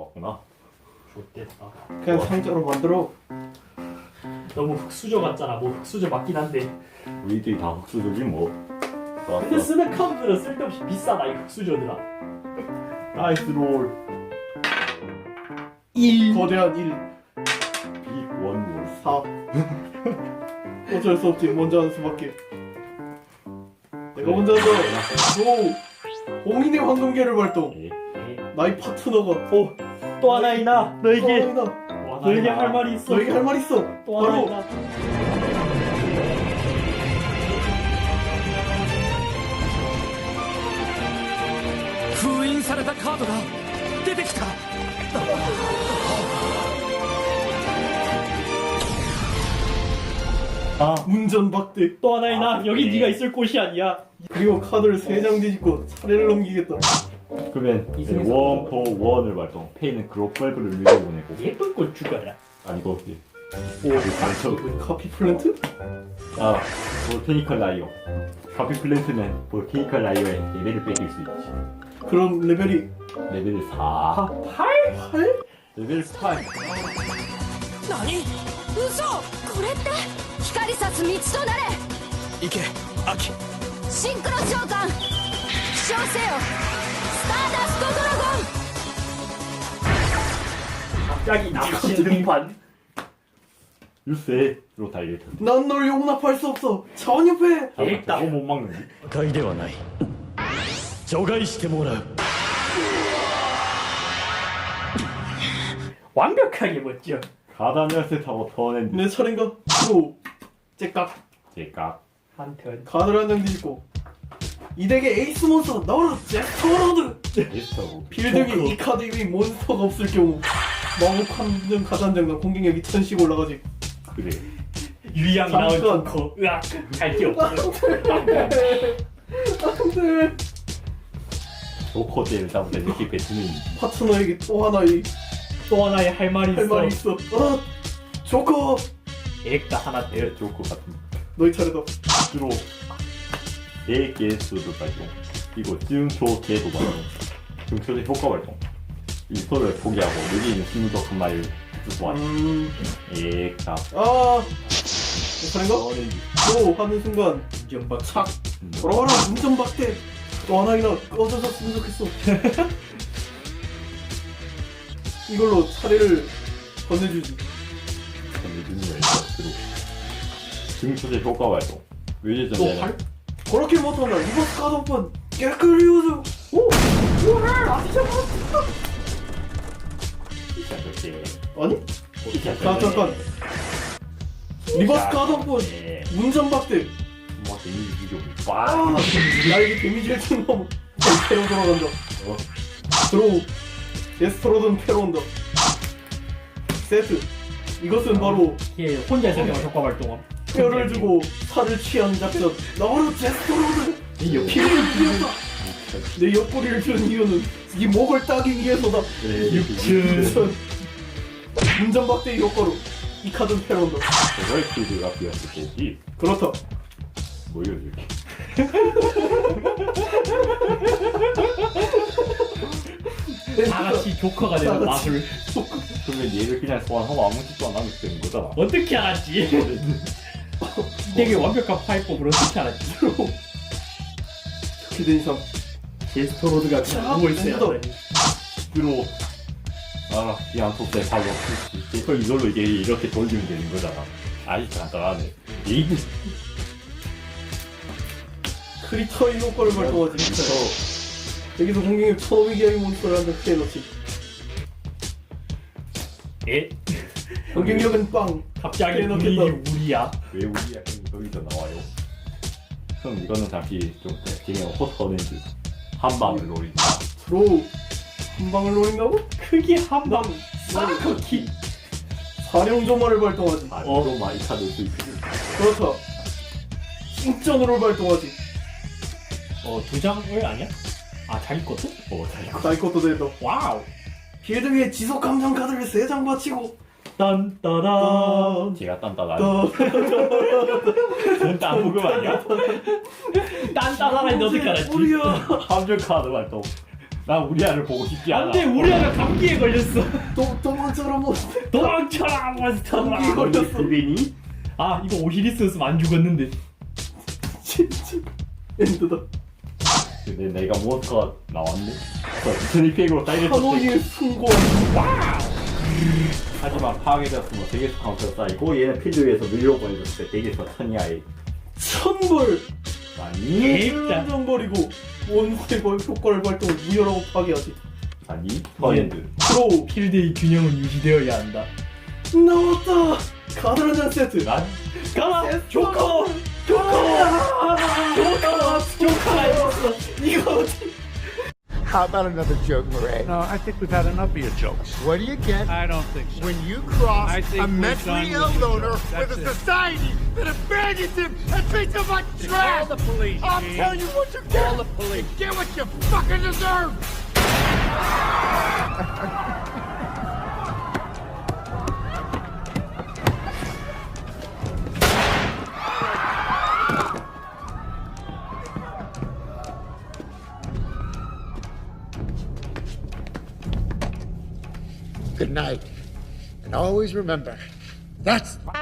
나왔구나. 좋겠다. 그냥 상자로 만들어. 너무 흑수저 같잖아. 뭐 흑수저 맞긴 한데. 우리들이 다 흑수저지 뭐. 근데 쓰는 카드들은 쓸데없이 비싸다 이 흑수저들아. 나이스 롤. 1 거대한 1, 빅원 롤. 4. 어쩔 수 없지. 먼저 하는 수밖에. 내가 먼저 한다. 오! 봉인의 황금계를 발동. 예. 나의 파트너가. 또 하나 있나? 너에게 나 너에게 할 말이 있어. 너에게 할 말 있어. 또 하나 바로 있나? 封印されたカードが出てきた。 아, 운전박대. 또 하나 있나? 여기 네가 있을 곳이 아니야. 그리고 카드를 3장 뒤집고 차례를 넘기겠다. 그러면 이 중에서 원포 원을 발동. 페이는 그로벌브를 밀어보내고. 예쁜 꽃 죽어라. 아니고 오, 카피 플랜트? 아 볼케니컬 라이어. 카피 플랜트는 볼케니컬 라이어의 레벨을 뺏길 수 있지. 그럼 레벨이 레벨 4. 8? 8? 레벨 8. 何？ 嘘これって光さす道となれ行け、アキ。 シンクロ召喚飛翔せよスターダストドラゴン 갑자기 남친 등판. 유세로 달릴 텐데. 난 널 용납할 수 없어. 차원협회. 재밌다. 저거 못 막는지. 破壊ではない。除外してもらう。 완벽하게 멋져. 가다니엘스 타고 터낸드. 내 차례인가? 오, 째깍. 제가 한 턴. 카드를 한 장 뒤집고 이 덱의 에이스 몬스터 나와라 제스터로드. 에스터고. 필드에 이 카드 위에 몬스터가 없을 경우 마법 함정 가단장과 공격력 2000씩 올라가지. 그래. 유양 나온 잠깐. 조커. 으악. 갈게 없어. 안돼. 조커제를 잡을 때 이렇게 뱉으면 파트너에게 또 하나의 또 하나의 할 말이 할 있어. 말이 있어. 조커. 액다 하나 떼. 내 조커 같은 너희 차례다. 주로 4개 수도 발동. 그리고 증초계도 발동. 증초제 효과 발동. 이 소를 포기하고 여기 있는 스무더 한 마리를 수소하지. 자. 아. 내 차례인가? 오 하는 순간 운전박. 착 돌아와라 운전박대. 또 하나이나 꺼져줬으면 좋겠어. 이걸로 차례를 건네주지. 증초제 효과 발동. 외제 또 전제는 할? 그렇게 못하나 리버스 카드 한번 깨끗이 우주. 오! 우와! 아시죠? 이렇게 아니? 잠깐. 리버스 카드 한번 운전박대. 뭐 데미지 좀 아! 빡. 나에게 데미지를 준 놈. 패로 돌아간다. 드로우. 데스트로든 패로 온다. 세트. 이것은 바로 얘 혼자서 그냥 효과 발동함. 뼈를 주고 살을 취하는 작전. 나와라 데스트로든. 피를 피웠다. 내 옆구리를 준 이유는 이 목을 따기 위해서다. 육춘. 운전박대의 효과로 이 카드는 패로 온다. 저걸 필드가 비었을 때지. 그렇다. 뭐여 이렇게. 다 같이 조커가 되는 다 같이. 마술. 그러면 얘를 그냥 소환하고 아무 짓도 안 하면 되는 거잖아. 어떻게 알았지? 되게 완벽한 파이법으로 어떻게 알았지? 기대 이상. 제스토로드가 그냥 누워있어야 자, 하더니. 주로 알아 그냥 속대 바로 그 이걸로 이게 이렇게 돌리면 되는 거잖아. 아주 간단하네. 이거 크리터의 효과를 발동하지. 여기서 공격력 1500이하의 몬스터를 한장 피해놓지. 에? 공격력은 빵. 갑자기 깨놓겠다. 우리 우리야. 왜 우리 약간 거기서 나와요? 그럼 이거는 잠시 좀 그냥 호터렌즈 한 방을 노린다. 드로우. 한 방을 노린다고? 크게 한방 나는 싹키. 사령조마를 발동하지. 좀 많이 찾을 수 있지. 그렇다. 킹전으로 발동하지. 두 장을 아니야? 아 자기 것도? 잘 이거. 자기 것도 된다. 와우. 필드 위에 지속 감정 카드를 3장 바치고. 딴따란. 제가 딴따라. 딴 부금 아니야? 딴따란이 너 어떻게 알았지? 우리야. 함정 카드 발동. 나 우리 아를 보고 싶지 않아. 안돼 우리 아가 감기에 걸렸어. 도망쳐라 뭐. 도망쳐라 몬스터라. 감기에 걸렸어. 비비니? 아 이거 오시리스였으면 안 죽었는데. 진짜 엔드다. 근데 내가 몬스터가 나왔네? 스니팩으로 사이드 한옥의 숭고. 하지만 파괴되었으면 대기수 카운터가 쌓이고 얘는 필드 위에서 밀려 보내줬을 때 대기수가 천이하에 1000벌. 아니? 정벌이고 원수의 효과를 발동 무효라고 파괴하지. 아니? 퍼엔드 프로 필드의 균형은 유지되어야 한다. 나왔다. 카드 한 장 세트. 난? 가라 조커. 조커가 있었어. 이거 어디? How about another joke, Murray? No, I think we've had enough of your jokes. What do you get I don't think so. when you cross I think a we're mentally done ill with the loner jokes. with That's a it. society that abandons him and treats him like trash? Call the police, I'll Gene. tell you what you get. Call the police. You get what you fucking deserve. Good night. And always remember, that's